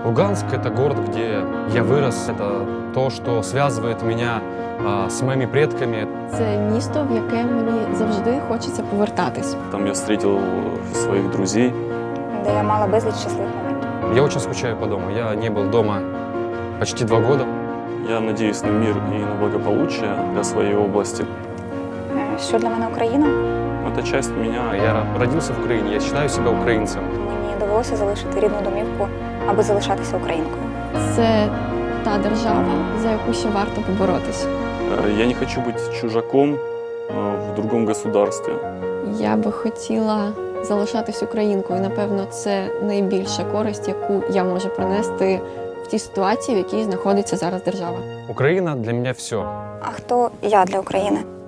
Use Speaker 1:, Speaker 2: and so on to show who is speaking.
Speaker 1: Луганск – это город, где я вырос. Это то, что связывает меня с моими предками.
Speaker 2: Це місто, в яке мені завжди хочеться повертатись.
Speaker 3: Там я встретил своих друзей.
Speaker 4: Де я мала безліч щасливих моментів.
Speaker 1: Я очень скучаю по дому. Я не был дома почти 2 года.
Speaker 3: Я надеюсь на мир и на благополучие для своей области.
Speaker 4: Що для мене Україна?
Speaker 3: Это часть меня.
Speaker 1: Я родился в Украине, я считаю себя украинцем.
Speaker 4: Мені довелося залишити рідну домівку, аби залишатися українкою.
Speaker 2: Це та держава, за яку ще варто поборотись.
Speaker 3: Я не хочу быть чужаком в другом государстве.
Speaker 2: Я би хотіла залишатись українкою. Напевно, це найбільша користь, яку я можу принести в тій ситуації, в якій знаходиться зараз держава.
Speaker 1: Украина для меня все.
Speaker 4: А хто я для України?